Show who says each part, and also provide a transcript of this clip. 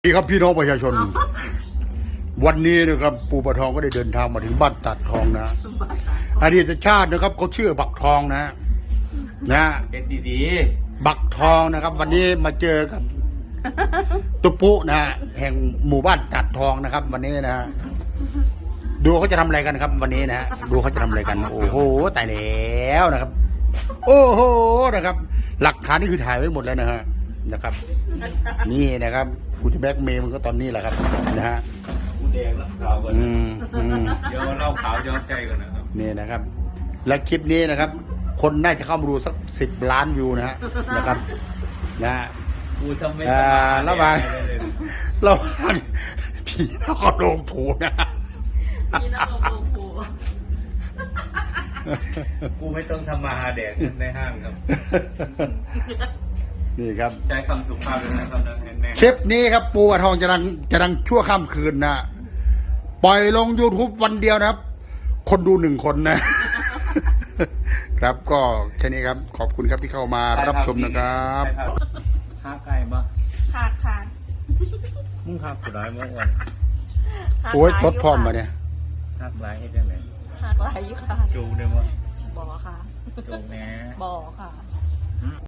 Speaker 1: สวัสดีครับพี่น้องประชาชน วันนี้นะครับปู่ปะทองก็ได้เดินทางมาถึงบ้านตัดทองนะอดีตชาตินะครับเขาชื่อบักทองนะ
Speaker 2: เป็นดี
Speaker 1: บักทองนะครับ วันนี้มาเจอกับตุปุนะแห่งหมู่บ้านตัดทองนะครับ วันนี้นะดูเขาจะทำอะไรกันครับ วันนี้นะดูเขาจะทำอะไรกัน โอ้โหตายแล้วนะครับ โอ้โหนะครับ หลักฐานนี่คือถ่ายไว้หมดแล้วนะครับ นี่นะครับกูจะแบล็กเมย์มันก็ตอนนี้แหละครับนะฮะ
Speaker 2: กูแดงแล้วขาวก่อนเดี๋ยวเล่าขาวย้อนใจก่อนนะครับ
Speaker 1: นี่นะครับ และคลิปนี้นะครับ คนน่าจะเข้ามาดูสัก10 ล้านวิวนะครับนะ
Speaker 2: กูทำไม่
Speaker 1: ระหว่างผีนครโรงถูนะ
Speaker 3: พี่น้องโอ้โห
Speaker 2: กูไม่ต้องทำมาหาแดกในห้างครับ
Speaker 1: นี่ครับ
Speaker 2: ใช้คำสุภาพเลยนะครับ
Speaker 1: คลิปนี้ครับปูปะทองจะดังชั่วข้ามคืนนะปล่อยลง YouTube วันเดียวนะครับ คนดู1 คนนะ ครับก็แค่นี้ครับ ขอบคุณครับที่เข้ามารับชมนะครับ
Speaker 2: ฆ่าไก่ปะ
Speaker 3: ค่ะ
Speaker 2: มึงฆ่าผู้ร้ายมั้งวัน
Speaker 1: โอ้ยทดพร้อมมาเนี่ย
Speaker 2: ฆ่าร้ายให้ยังไง
Speaker 3: หักหลายอยู่ค่ะ
Speaker 2: จูได้มั้ง
Speaker 3: บ่อค่ะ
Speaker 2: จูแม่
Speaker 3: บ่อค่ะ